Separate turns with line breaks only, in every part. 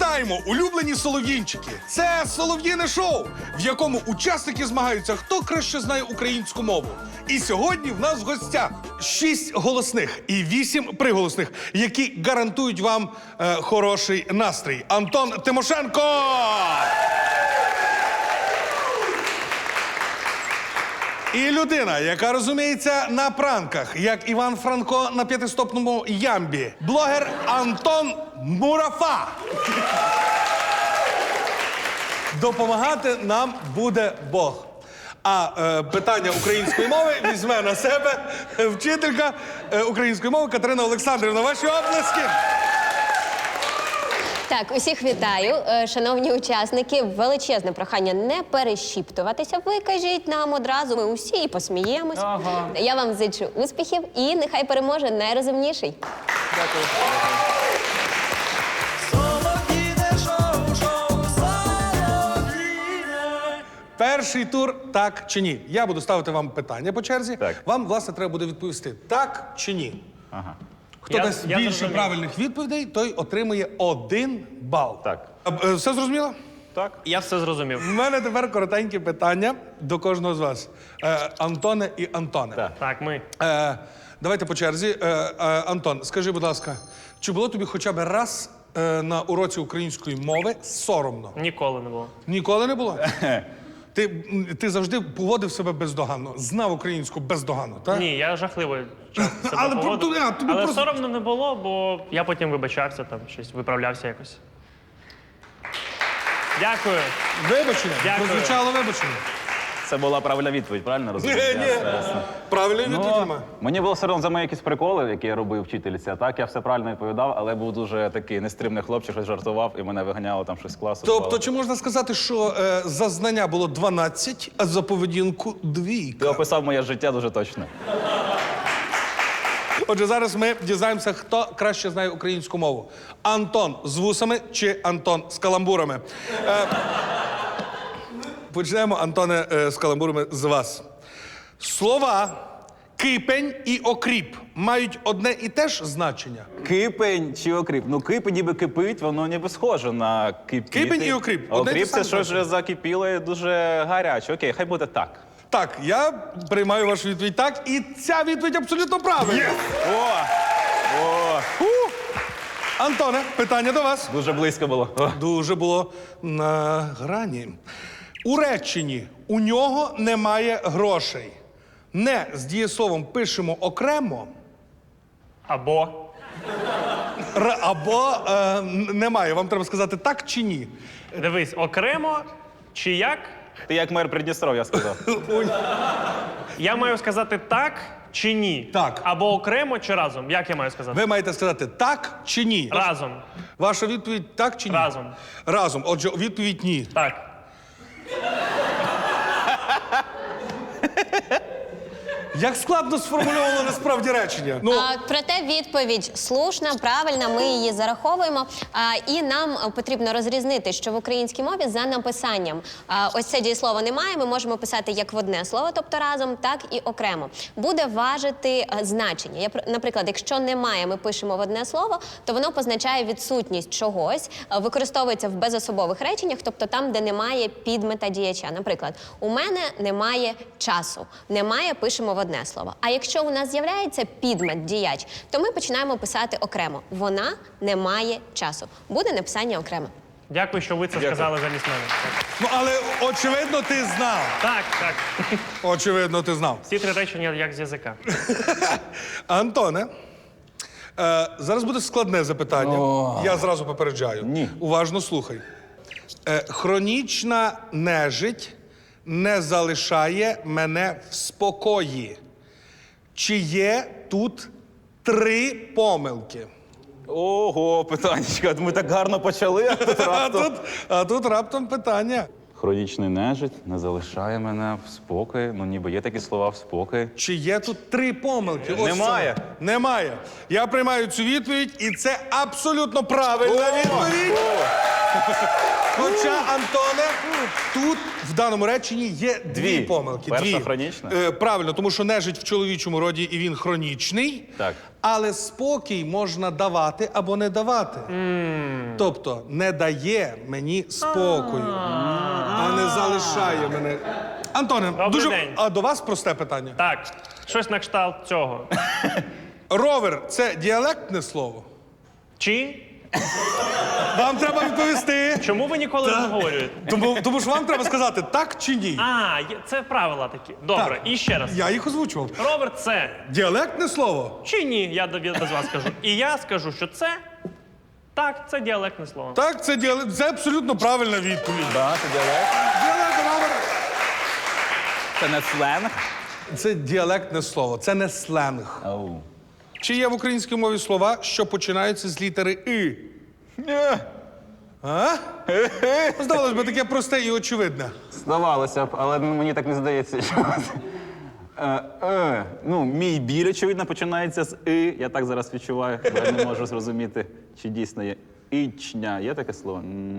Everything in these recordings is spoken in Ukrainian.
Вітаємо, улюблені солов'їнчики! Це солов'їне шоу, в якому учасники змагаються, хто краще знає українську мову. І сьогодні в нас в гостях 6 голосних і 8 приголосних, які гарантують вам хороший настрій. Антон Тимошенко! І людина, яка розуміється на пранках, як Іван Франко на п'ятистопному ямбі. Блогер Антон Мурафа. Допомагати нам буде Бог. А питання української мови візьме на себе вчителька української мови Катерина Олександрівна. Ваші оплески!
Так, усіх вітаю. Шановні учасники, величезне прохання не перешіптуватися. Ви кажіть нам одразу, ми усі і посміємось.
Ага.
Я вам зичу успіхів і нехай переможе найрозумніший.
Дякую.
Перший тур «Так чи ні». Я буду ставити вам питання по черзі.
Так.
Вам, власне, треба буде відповісти «так» чи «ні».
Ага.
Хто дасть
я
більше
зрозумів.
правильних відповідей, той отримує 1 бал.
Так.
Все зрозуміло?
Так.
Я все зрозумів.
У мене тепер коротенькі питання до кожного з вас. Антоне і Антоне.
Так.
Так, ми.
Давайте по черзі. Антон, скажи, будь ласка, чи було тобі хоча б раз на уроці української мови соромно?
Ніколи не було.
Ніколи не було? Ти завжди поводив себе бездоганно, знав українську бездоганно, так?
Ні, я жахливо часто себе
Але
поводив.
тобі
Але
просто-
соромно не було, бо я потім вибачався, там щось виправлявся якось. Дякую.
Вибачення?
Дякую.
Прозвучало вибачення.
Це була правильна відповідь, правильно розумію?
Ні. Правильної відповіді немає.
Мені було соромно за мої якісь приколи, які я робив вчительці. А так я все правильно відповідав, але був дуже такий нестримний хлопчик, щось жартував, і мене виганяло там щось з класу.
Тобто, чи можна сказати, що за знання було 12, а за поведінку 2?
Ти описав моє життя дуже точно.
Отже, зараз ми дізнаємося, хто краще знає українську мову. Антон з вусами чи Антон з каламбурами? Почнемо, Антоне, з каламбурами з вас. Слова «кипень» і «окріп» мають одне і те ж значення?
Кипень чи окріп? Ну, кипень ніби кипить, воно ніби схоже на кипіти.
Кипень і окріп.
А
Одне й те
окріп
саме
це щось
значення.
вже закипіло і дуже гаряче. Окей, хай буде так.
Так, я приймаю вашу відповідь так, і ця відповідь абсолютно правильна.
О,
Антоне, питання до вас.
дуже близько було. О.
Дуже було на грані. У реченні «у нього немає грошей». Не з дієсловом пишемо окремо,
Або.
або немає. Вам треба сказати так чи ні.
Дивись, окремо чи як?
Ти як мер Придністров'я сказав.
Я маю сказати так чи ні?
Так.
Або окремо чи разом? Як я маю сказати?
Ви маєте сказати так чи ні.
Разом.
Ваша відповідь так чи ні?
Разом.
Разом. Отже, відповідь ні.
Так.
Як складно сформульовано насправді речення. Ну,
Проте відповідь слушна, правильна, ми її зараховуємо. І нам потрібно розрізнити, що в українській мові за написанням ось це дієслово немає, ми можемо писати як в одне слово, тобто разом, так і окремо. Буде важити значення. Наприклад, якщо немає, ми пишемо в одне слово, то воно позначає відсутність чогось, використовується в безособових реченнях, тобто там, де немає підмета діяча. Наприклад, у мене немає часу. Немає, пишемо в одне слово. А якщо у нас з'являється підмет діяч, то ми починаємо писати окремо. Вона не має часу. Буде написання окремо.
Дякую, що ви це сказали замість мене.
ну, але очевидно, ти знав.
Так, так.
Очевидно, ти знав.
Всі 3 речення як з язика.
Антоне, зараз буде складне запитання. Я зразу попереджаю.
Ні.
Уважно слухай. Хронічна нежить не залишає мене в спокої. Чи є тут 3 помилки?
Ого, питанечка, ми так гарно почали, а тут раптом.
А тут раптом питання.
Хронічний нежить не залишає мене в спокої. Ну, ніби є такі слова в спокої.
Чи є тут 3 помилки? Ось
Немає.
це. Немає. Я приймаю цю відповідь, і це абсолютно правильна відповідь. Хоча, Антоне, тут в даному реченні є дві помилки.
Перша
дві.
хронічна?
Правильно, тому що нежить в чоловічому роді і він хронічний.
Так.
Але спокій можна давати або не давати. Тобто не дає мені спокою, а не залишає мене. Антоне,
Добрий день.
а до вас просте питання.
Так, щось на кшталт цього.
Ровер – це діалектне слово?
Чи?
Вам треба відповісти.
Чому ви ніколи не говорите?
Тому що вам треба сказати так чи ні.
Це правила такі. Добре,
Так.
і ще раз.
Я їх озвучував.
Роберт, це
Діалектне слово?
чи ні? Я без вас скажу. І я скажу, що це так, це діалектне слово.
Так, це абсолютно правильна відповідь.
Да, це діалект.
Діалект, Ровер.
Це не сленг.
Це діалектне слово, це не сленг.
Оу.
Чи є в українській мові слова, що починаються з літери «и»? А? Здавалось би, таке просте і очевидне.
Здавалося б, але мені так не здається, що... Ну, мій біль, очевидно, починається з «и». Я так зараз відчуваю, бо я не можу зрозуміти, чи дійсно є «ічня». Є таке слово?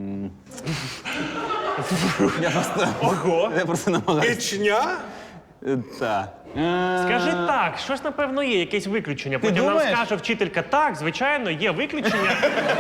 Я просто намагаюся.
Ічня?
Так.
Скажи так, щось напевно є, якесь виключення. Потім нам
думаєш?
скаже вчителька, так, звичайно, є виключення.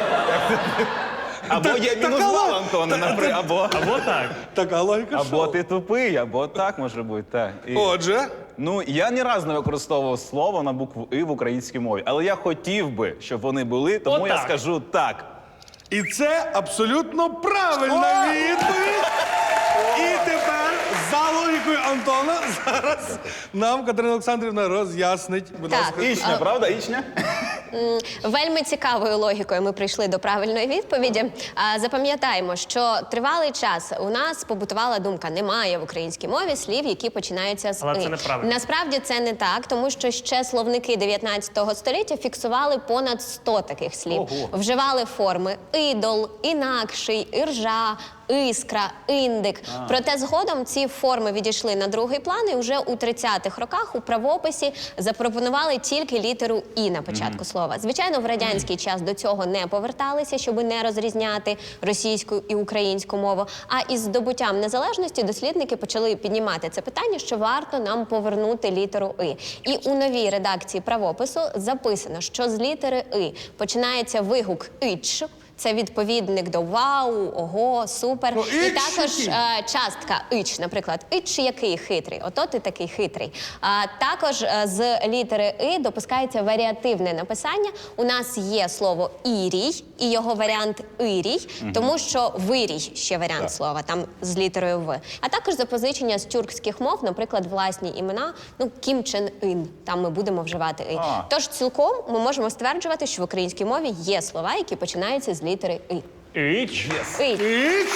Або є мінус бал, Антоне, наприклад,
Або так.
Така логіка
або
шоу.
ти тупий, або так може бути. Так.
Отже,
Ну, я ні разу не використовував слово на букву «и» в українській мові, але я хотів би, щоб вони були, тому я
Отак.
скажу так.
і це абсолютно правильна відповідь. І тепер за логікою Антона зараз нам Катерина Олександрівна роз'яснить. Будь
Так.
ласка.
Ічня, правда? Ічня?
Вельми цікавою логікою ми прийшли до правильної відповіді. Запам'ятаємо, що тривалий час у нас побутувала думка: немає в українській мові слів, які починаються з
Але
«и».
це неправильно.
Насправді це не так, тому що ще словники 19 століття фіксували понад 100 таких слів.
Ого.
Вживали форми ідол, інакший, іржа, іскра, індик. Проте згодом ці форми відійшли на другий план, і вже у 30-х роках у правописі запропонували тільки літеру «і» на початку слова. Звичайно, в радянський час до цього не поверталися, щоб не розрізняти російську і українську мову. А із здобуттям незалежності дослідники почали піднімати це питання, що варто нам повернути літеру «и». І у новій редакції правопису записано, що з літери «и» починається вигук «ич». Це відповідник до вау, ого, супер.
Ну,
І
«ич»
також
який?
частка «ич», наприклад, «ич який хитрий», ото ти такий хитрий. Також з літери «и» допускається варіативне написання. У нас є слово «ірій» і його варіант «ірій», тому що «вирій» ще варіант слова, там з літерою «в». А також запозичення з тюркських мов, наприклад, власні імена, ну, Кім Чен Ін, там ми будемо вживати «и». Тож цілком ми можемо стверджувати, що в українській мові є слова, які починаються з літери «и».
Іч.
«И».
Іч?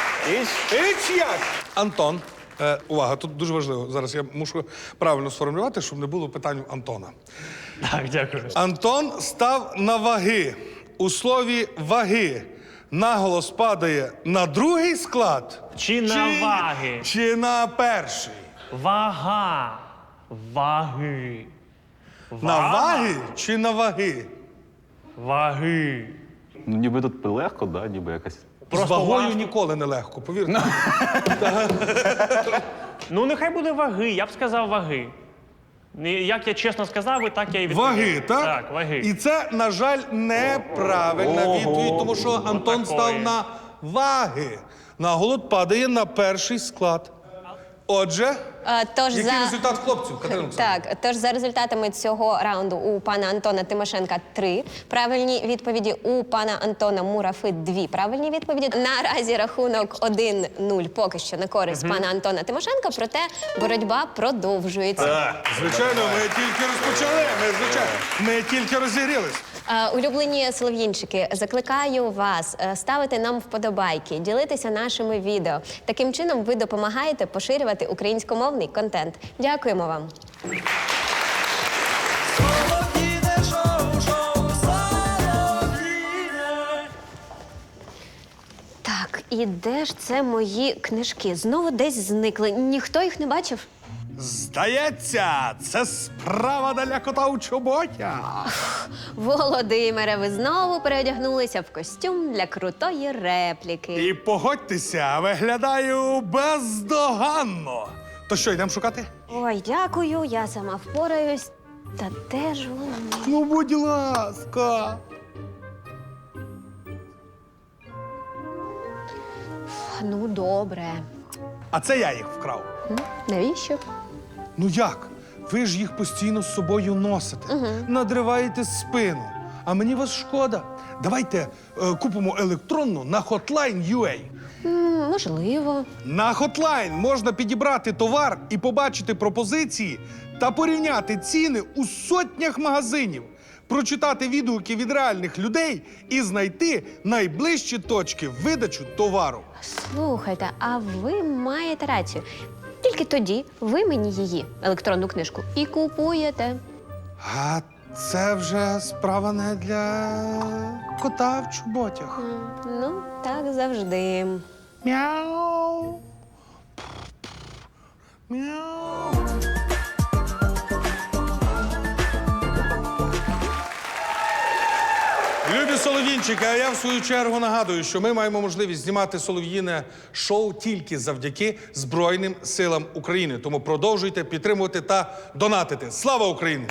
Іч як? Антон. Увага, тут дуже важливо. Зараз я мушу правильно сформулювати, щоб не було питань у Антона.
Так, дякую.
Антон став на ваги. У слові «ваги» наголос падає на другий склад?
Чи на ваги?
Чи на перший?
Вага. Ваги.
На ваги чи на ваги?
Ваги.
Ну, ніби тут легко, да? Ніби якась.
З вагою ніколи не легко, повірте.
Ну, нехай буде ваги, я б сказав ваги. Як я чесно сказав, і так я і відповів.
Ваги, так?
Так, ваги.
І це, на жаль, неправильна відповідь, тому що Антон
такої.
став на ваги. Наголос падає на перший склад. Отже,
Тож
який результат хлопців, Катерина Олександрівна?
Так, тож за результатами цього раунду у пана Антона Тимошенка 3 правильні відповіді, у пана Антона Мурафи 2 правильні відповіді. Наразі рахунок 1-0 поки що на користь пана Антона Тимошенка, проте боротьба продовжується.
Звичайно, ми тільки розпочали, ми тільки розігрілись.
Улюблені солов'їнчики, закликаю вас ставити нам вподобайки, ділитися нашими відео. Таким чином ви допомагаєте поширювати українськомовний контент. Дякуємо вам. Так, і де ж це мої книжки? Знову десь зникли. Ніхто їх не бачив?
Здається, це справа для кота у чоботя.
Володимире, ви знову переодягнулися в костюм для крутої репліки.
І погодьтеся, виглядаю бездоганно. То що, йдемо шукати?
Ой, дякую, я сама впораюсь. Та де ж вони?
Ну, будь ласка.
Ну, добре.
А це я їх вкрав.
Навіщо?
Ну як? Ви ж їх постійно з собою носите, надриваєте спину. А мені вас шкода. Давайте купимо електронну на Hotline.ua.
Можливо.
На Hotline можна підібрати товар і побачити пропозиції та порівняти ціни у сотнях магазинів, прочитати відгуки від реальних людей і знайти найближчі точки видачі товару.
Слухайте, а ви маєте рацію. Тільки тоді ви мені її, електронну книжку, і купуєте.
А це вже справа не для кота в чоботях.
Ну, так завжди.
Мяу. Мяу. Любі солов'їнчики, а я в свою чергу нагадую, що ми маємо можливість знімати солов'їне шоу тільки завдяки Збройним силам України. Тому продовжуйте підтримувати та донатити. Слава Україні!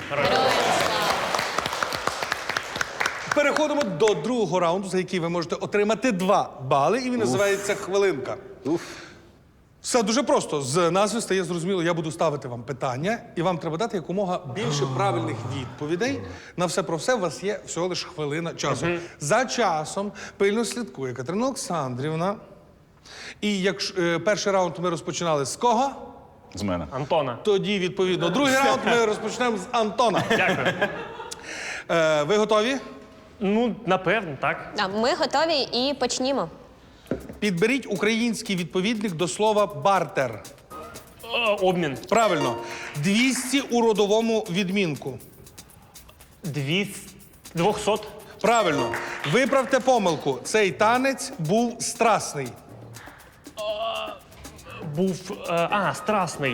Переходимо до другого раунду, за який ви можете отримати 2 бали, і він називається «Хвилинка». Все дуже просто. З назви стає зрозуміло, я буду ставити вам питання, і вам треба дати якомога більше правильних відповідей. На все про все у вас є всього лише хвилина часу. За часом пильно слідкує Катерина Олександрівна. І якщо перший раунд ми розпочинали з кого?
З мене.
Антона.
Тоді, відповідно, другий раунд ми розпочнемо з Антона.
Дякую.
Ви готові?
Ну, напевно, так.
А ми готові і почнімо.
Підберіть український відповідник до слова «бартер».
Обмін.
Правильно. 200 у родовому відмінку.
200.
Правильно. Виправте помилку. Цей танець був страсний.
Був. Страсний.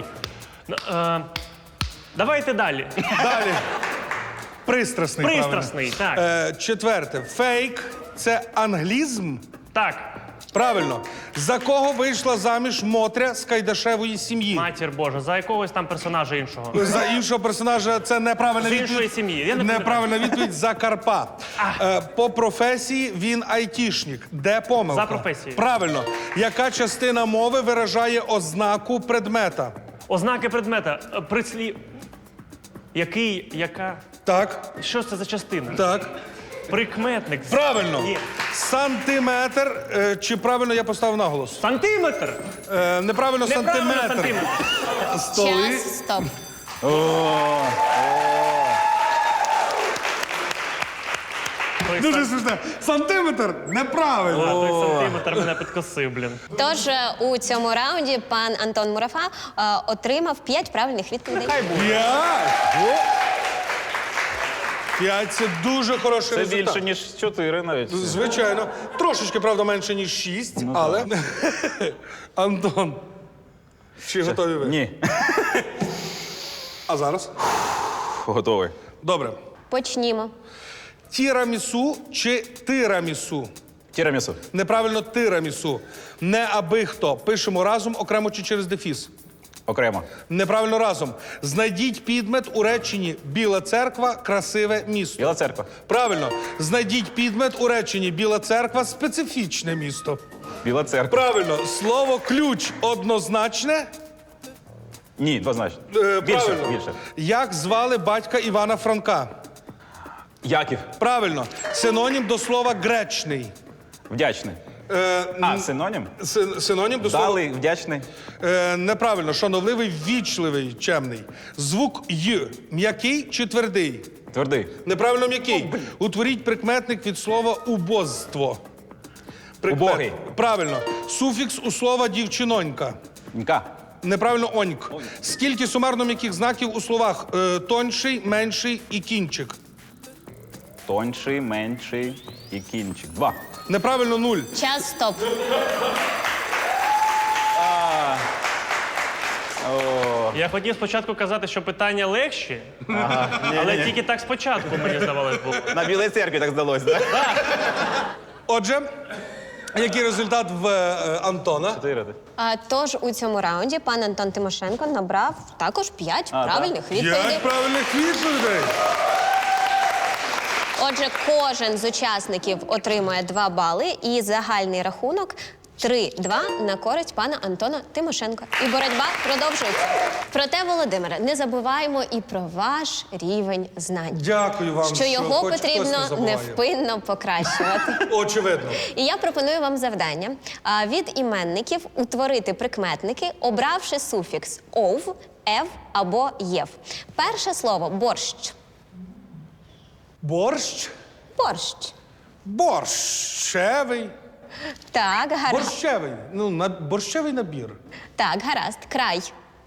Давайте далі.
Далі. Пристрасний.
Пристрасний,
правильно.
так.
Четверте. Фейк – це англізм.
Так.
Правильно. За кого вийшла заміж Мотря з Кайдашевої сім'ї?
Матір Божа, за якогось там персонажа іншого.
За іншого персонажа це неправильна
З
відповідь.
іншої сім'ї. Я не
Неправильна відповідь за Карпа. По професії він айтішник. Де помилка?
За професією.
Правильно. Яка частина мови виражає ознаку предмета?
Ознаки предмета. Прислів. Який, яка.
Так,
Що це за частина?
так.
Прикметник.
Правильно.
Є.
Сантиметр. Чи правильно я поставив наголос?
Сантиметр.
Неправильно,
Неправильно,
сантиметр.
сантиметр.
Столи.
Час, стоп.
Дуже смішно. Сантиметр неправильно.
Той сантиметр мене підкосив, блін.
Тож у цьому раунді пан Антон Мурафа отримав 5 правильних відповідей.
Хай буде.
5. 5 – це дуже хороший
Це
результат.
більше, ніж 4 навіть.
Звичайно. Трошечки, правда, менше, ніж 6, але... Антон, чи готові ви?
Ні.
А зараз?
Готовий.
Добре.
Почнімо.
Тірамісу чи тирамісу?
Тірамісу.
Неправильно тирамісу. Не аби хто. Пишемо разом, окремо чи через дефіс.
Окремо.
Неправильно разом. Знайдіть підмет у реченні «Біла церква – красиве місто».
Біла церква.
Правильно. Знайдіть підмет у реченні «Біла церква – специфічне місто».
Біла церква.
Правильно. Слово «ключ» однозначне.
Ні, двозначно.
Правильно.
Більше.
Як звали батька Івана Франка?
Яків.
Правильно. Синонім до слова «гречний».
Вдячний. Синонім?
Синонім до слова...
Далий, вдячний.
Неправильно. Шановливий, ввічливий, чемний. Звук «й». М'який чи твердий?
Твердий.
Неправильно м'який. Утворіть прикметник від слова «убозство».
Убогий.
Правильно. Суфікс у слова «дівчинонька».
Нька.
Неправильно «оньк». Скільки сумарно м'яких знаків у словах «тонший», «менший» і «кінчик»?
Тонший, менший і кінчик. 2.
Неправильно 0.
Час, стоп.
Я хотів спочатку казати, що питання легші, але тільки так спочатку, мені здавалось, було.
На Білій церкві так здалося, так?
Отже, який результат в Антона?
4.
Тож у цьому раунді пан Антон Тимошенко набрав також 5 правильних відповідей.
5 правильних відповідей.
Отже, кожен з учасників отримує 2 бали і загальний рахунок 3-2 на користь пана Антона Тимошенка. І боротьба продовжується. Проте, Володимире, не забуваємо і про ваш рівень знань.
Дякую вам,
Що його
хоч хтось не
потрібно
забуває.
невпинно покращувати.
Очевидно.
І я пропоную вам завдання від іменників утворити прикметники, обравши суфікс «ов», «ев» або «єв». Перше слово «борщ».
Борщ.
Борщ.
Борщевий.
Так, гаразд.
Борщевий. Борщевий набір.
Так, гаразд. Край.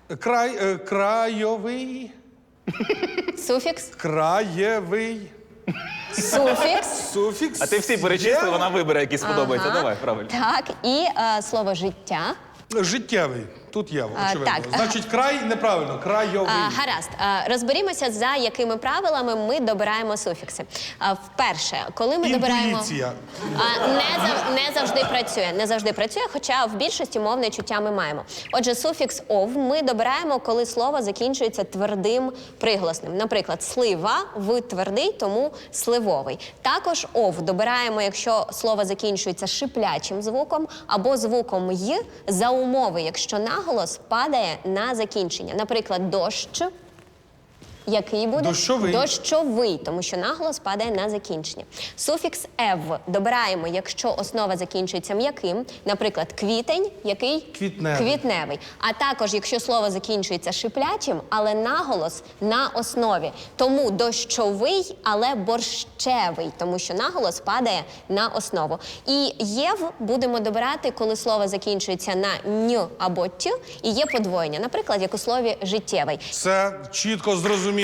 Крайовий.
Суфікс.
Краєвий.
Суфікс.
Суфікс.
А ти всі перечисли,
є.
вона вибере, який сподобається. Давай, правильно.
Так, і слово життя.
Життєвий. Тут є, очевидно.
так.
Значить, край неправильно. Крайовий.
Гаразд. Розберімося, за якими правилами ми добираємо суфікси. Вперше, коли ми добираємо...
Інтуїція.
Не завжди працює. Не завжди працює, хоча в більшості мовне чуття ми маємо. Отже, суфікс «ов» ми добираємо, коли слово закінчується твердим приголосним. Наприклад, слива в твердий, тому сливовий. Також «ов» добираємо, якщо слово закінчується шиплячим звуком або звуком «й» за умови, якщо наголос падає на закінчення. Наприклад, дощ, який буде?
Дощовий.
Дощовий, тому що наголос падає на закінчення. Суфікс «ев» добираємо, якщо основа закінчується м'яким. Наприклад, квітень, який?
Квітневий.
Квітневий. А також, якщо слово закінчується шиплячим, але наголос на основі. Тому дощовий, але борщевий, тому що наголос падає на основу. І «єв» будемо добирати, коли слово закінчується на «н» або «т» і є подвоєння. Наприклад, як у слові «життєвий».
Все чітко зрозуміло.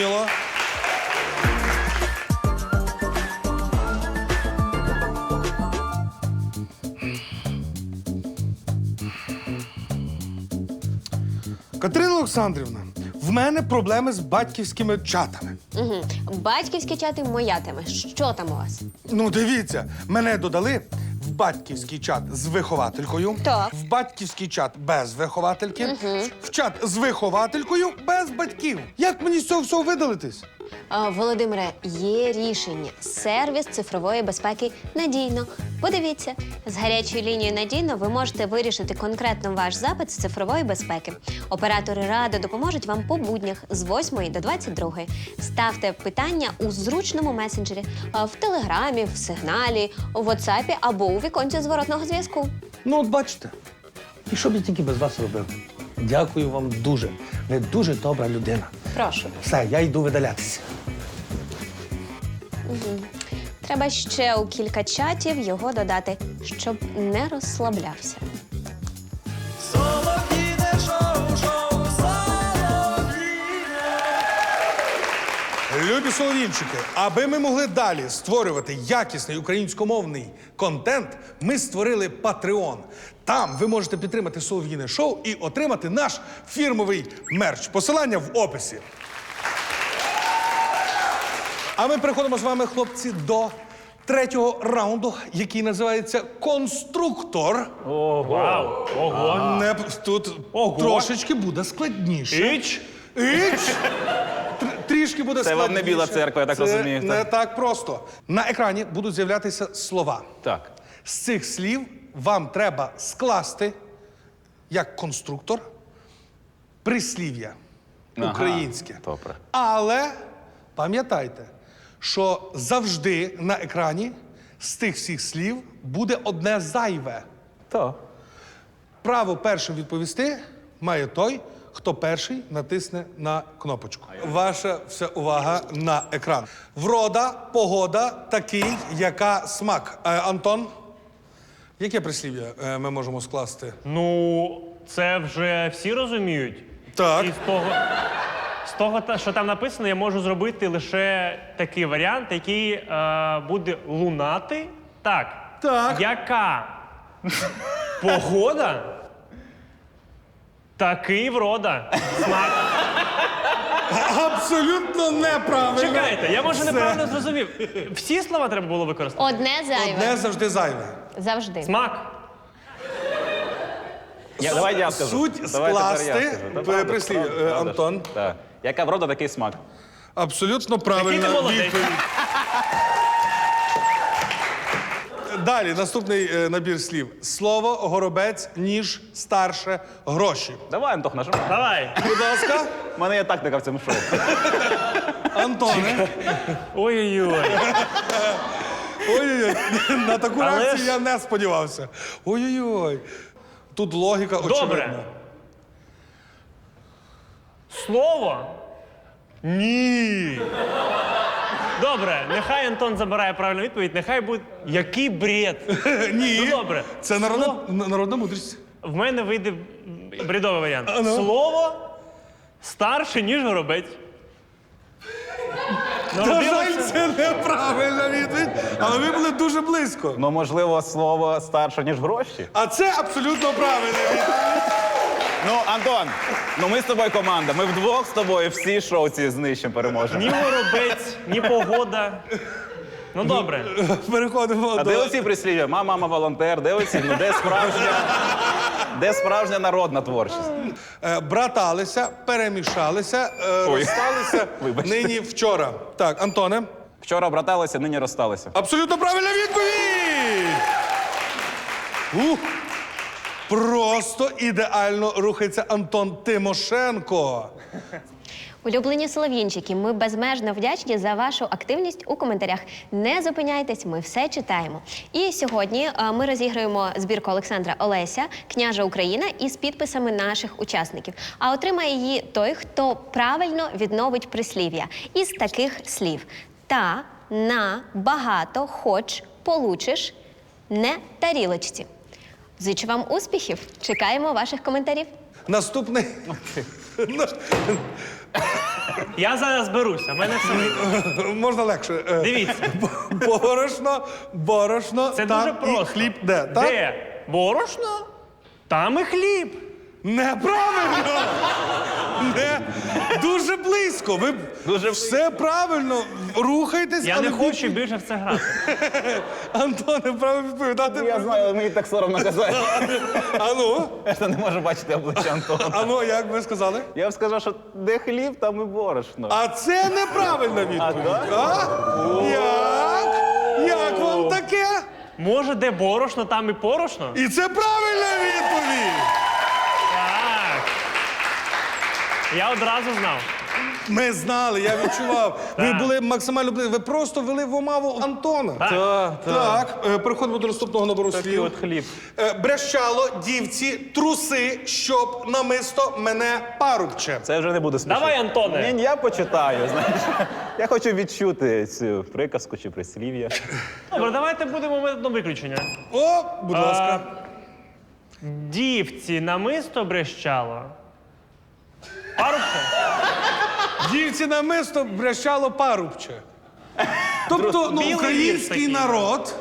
Катерина Олександрівна, в мене проблеми з батьківськими чатами.
Угу. Батьківські чати – моя тема. Що там у вас?
Ну, дивіться, мене додали в батьківський чат з вихователькою,
Так.
в батьківський чат без виховательки, в чат з вихователькою без батьків. Як мені з цього всього видалитись?
Володимире, є рішення. Сервіс цифрової безпеки «Надійно». Подивіться, з гарячою лінією «Надійно» ви можете вирішити конкретно ваш запит з цифрової безпеки. Оператори Ради допоможуть вам по буднях з 8 до 22. Ставте питання у зручному месенджері, в Телеграмі, в Сигналі, у WhatsApp або у віконці зворотного зв'язку.
Ну, от бачите, і що б я тільки без вас робив? Дякую вам дуже. Ви дуже добра людина.
Прошу.
Все, я йду видалятися.
Треба ще у кілька чатів його додати, щоб не розслаблявся.
Любі солов'їнчики, аби ми могли далі створювати якісний українськомовний контент, ми створили Patreon. Там ви можете підтримати Солов'їне шоу і отримати наш фірмовий мерч. Посилання в описі. А ми переходимо з вами, хлопці, до третього раунду, який називається «Конструктор».
Вау! Ого!
Тут
Ого.
трошечки буде складніше.
Іч!
Трішки буде
Це
складніше.
вам не Біла церква, я так розумію,
Це
так?
не так просто. На екрані будуть з'являтися слова.
Так.
З цих слів вам треба скласти, як конструктор, прислів'я
Ага,
українське.
добре.
Але пам'ятайте, що завжди на екрані з тих всіх слів буде одне зайве.
То.
Право першим відповісти має той, хто перший натисне на кнопочку. Ваша вся увага на екран. Врода, погода, такий, яка смак. Антон, яке прислів'я ми можемо скласти?
Ну, це вже всі розуміють.
Так.
І з того, що там написано, я можу зробити лише такий варіант, який буде лунати. Так.
Так.
Яка погода Такий врода. Смак.
Абсолютно неправильно.
Чекайте, я може
Це
неправильно зрозумів. Всі слова треба було використати?
Одне зайве.
Одне завжди зайве.
Завжди.
Смак.
Давай я скажу.
Суть
Давай тепер я
скласти
скажу. Та правда,
прислів'я.
правда, правда ж.
Антон.
Так. Яка врода, такий смак.
Абсолютно
Який
правильна
ти молодець.
відповідь. Далі, наступний набір слів. Слово, горобець, ніж, старше, гроші.
Давай, Антох, нажимай.
Давай.
Будь ласка,
У мене є тактика в цьому шоу.
Антоне.
Ой-ой-ой.
Ой-ой-ой, на таку
Але
реакцію
ж-
я не сподівався. Ой-ой-ой. Тут логіка очевидна.
Добре. Слово? Ні. Добре, нехай Антон забирає правильну відповідь, нехай буде. Який бред.
Ні.
Ну, добре.
Це народна мудрість.
В мене вийде бредовий варіант.
ну.
Слово старше, ніж горобець.
На жаль, це неправильна відповідь, але ви були дуже близько.
Ну, можливо, слово старше, ніж гроші.
А це абсолютно правильна відповідь.
Ну, Антон, ну ми з тобою команда. Ми вдвох з тобою всі шоу ці знищимо, переможемо.
Ні горобець, ні погода. Ну добре.
Переходимо
А
до...
де оці прислів'я? Мама, волонтер, де оці? Ну, де справжня народна творчість?
Браталися, перемішалися,
Ой.
розсталися
Вибачте.
нині вчора. Так, Антоне.
Вчора браталися, нині розсталися.
Абсолютно правильна відповідь! Просто ідеально рухається Антон Тимошенко.
Улюблені солов'їнчики, ми безмежно вдячні за вашу активність у коментарях. Не зупиняйтесь, ми все читаємо. І сьогодні ми розіграємо збірку Олександра Олеся «Княжа Україна» із підписами наших учасників. А отримає її той, хто правильно відновить прислів'я із таких слів: та, на, багато, хоч, получиш, не тарілочці. Зичу вам успіхів! Чекаємо ваших коментарів.
Наступний.
Я зараз беруся, в мене все.
Можна легше.
Дивіться.
Борошно,
Це
там
дуже
і
просто.
хліб де? Так?
Де борошно, там і хліб.
Неправильно! Не. Дуже близько. Ви
Дуже
все правильно рухайтесь,
Я
але
не хочу більше в це грати.
Антоне, право відповідати.
Я знаю, але мені так соромно казати.
Ану,
Я не можу бачити обличчя Антона.
ану, як ви сказали?
Я б сказав, що де хліб, там і борошно.
А це неправильна відповідь.
так?
А? Як? Як вам таке?
Може, де борошно, там і порошно?
І це правильна відповідь.
Так. Я одразу знав.
Ми знали, я відчував. Ви були максимально близько. Ви просто вели в омаву Антона. Так, переходимо до наступного набору
Такий
слів.
от хліб.
Брещало, дівці, труси, щоб намисто мене парубче.
Це вже не буде смішно.
Давай, Антоне.
Ні, я почитаю, знаєш. Я хочу відчути цю приказку чи прислів'я.
Добре, давайте будемо методом виключення.
О, будь ласка.
Дівці намисто брещало. Парубче?
Дівці намисто брещало парубче. Тобто, ну,
Білий
український
вірш такий.
народ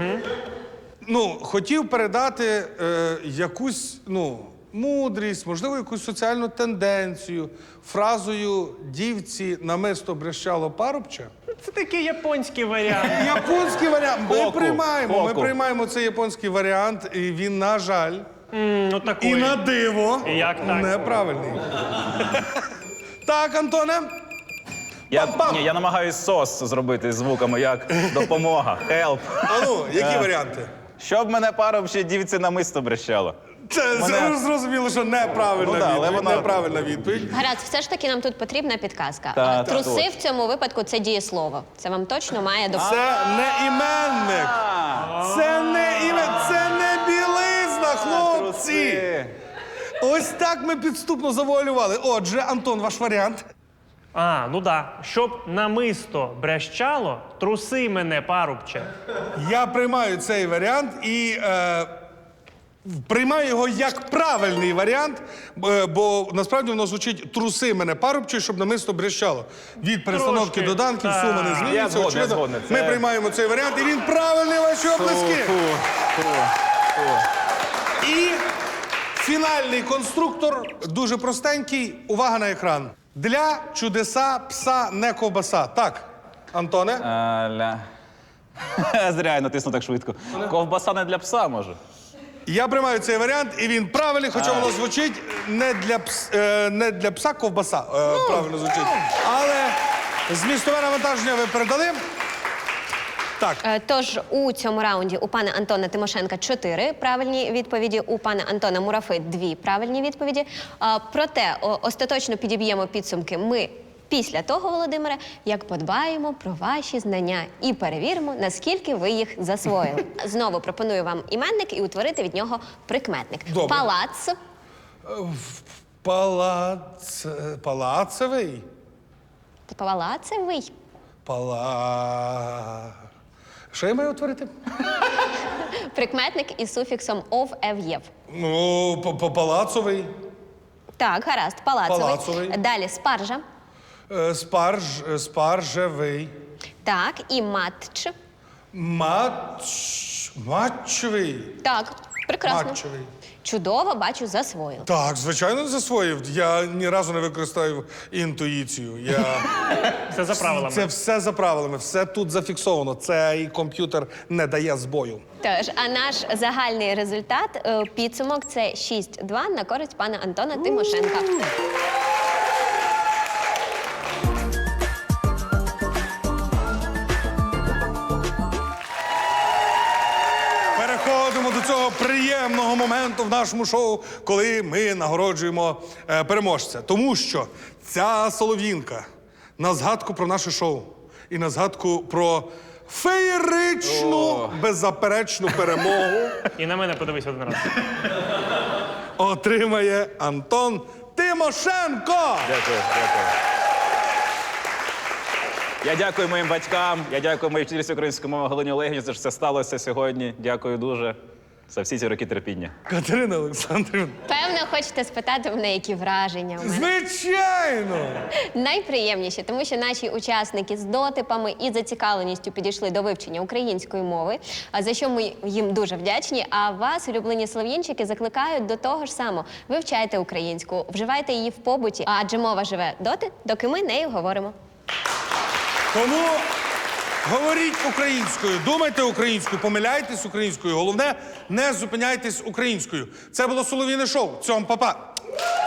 хотів передати якусь мудрість, можливо, якусь соціальну тенденцію фразою «дівці намисто брещало парубче».
Це такий японський варіант.
Японський варіант. Ми
Хоку,
приймаємо. Ми
хоку.
приймаємо цей японський варіант, і він, на жаль,
Ну такий.
і на диво
Як так?
неправильний. Так, Антоне? Пам-пам.
Я намагаюсь сос зробити звуками, як допомога, help.
Ану, які варіанти?
Щоб мене парубче дівці намисто брещало.
Це зрозуміло, що неправильна
Ну да, але
відповідь.
вона-
Неправильна відповідь.
Гаразд, все ж таки нам тут потрібна підказка.
Так,
Труси
так.
в цьому випадку це дієслово. Це вам точно має допомогти.
Це не іменник. Це не іменник. Це не білизна, хлопці.
Труси.
Ось так ми підступно завуалювали. Отже, Антон, ваш варіант.
Ну да. Щоб намисто брещало, труси мене, парубче.
Я приймаю цей варіант і приймаю його як правильний варіант, бо насправді воно звучить «труси мене парубче, щоб намисто брещало». Від перестановки
Трошки,
доданків
так.
сума не
Я
змінюється.
згоден,
Очевидно,
згоден.
Ми
Це-
приймаємо цей варіант, і він правильний, ваші оплески. І Фінальний конструктор дуже простенький. Увага на екран. Для чудеса пса не ковбаса. Так, Антоне?
Зря я натиснув так швидко. Ковбаса не для пса, може?
Я приймаю цей варіант, і він правильний, хоча воно звучить не для пса ковбаса. Правильно звучить. Але змістове навантаження ви передали. Так.
Тож у цьому раунді у пана Антона Тимошенка 4 правильні відповіді, у пана Антона Мурафи 2 правильні відповіді. Проте остаточно підіб'ємо підсумки ми після того, Володимире, як подбаємо про ваші знання і перевіримо, наскільки ви їх засвоїли. Знову пропоную вам іменник і утворити від нього прикметник.
Добре.
Палац.
Палацевий?
Палацевий.
Що я маю утворити?
Прикметник із суфіксом ов, ев, єв.
Ну, палацовий.
Так, гаразд, палацевий.
Палацовий.
Далі спаржа.
Спаржевий.
Так, і матч.
Матчевий.
Так, прекрасно.
Матчевий.
Чудово, бачу, засвоїв.
Так, звичайно, засвоїв. Я ні разу не використаю інтуїцію.
Все за правилами.
Це все за правилами, все тут зафіксовано. Цей комп'ютер не дає збою.
Тож, а наш загальний результат, підсумок, це 6-2 на користь пана Антона Тимошенка.
Переходимо до цього приємного моменту в нашому шоу, коли ми нагороджуємо переможця. Тому що ця солов'їнка на згадку про наше шоу і на згадку про феєричну, беззаперечну перемогу
І на мене подивись один раз.
отримає Антон Тимошенко.
Дякую, дякую. Я дякую моїм батькам, я дякую моїй вчительці української мови Галині Олегівні, за що це сталося сьогодні. Дякую дуже за всі ці роки терпіння.
Катерина Олександрівна.
Певно, хочете спитати мене, які враження у мене.
Звичайно!
Найприємніші, тому що наші учасники з дотипами і зацікавленістю підійшли до вивчення української мови, за що ми їм дуже вдячні. А вас, улюблені слов'янчики, закликають до того ж самого. Вивчайте українську, вживайте її в побуті, адже мова живе доти, доки ми нею говоримо.
Тому говоріть українською, думайте українською, помиляйтесь українською. Головне, не зупиняйтесь українською. Це було Солов'їне шоу. Цьом, па-па!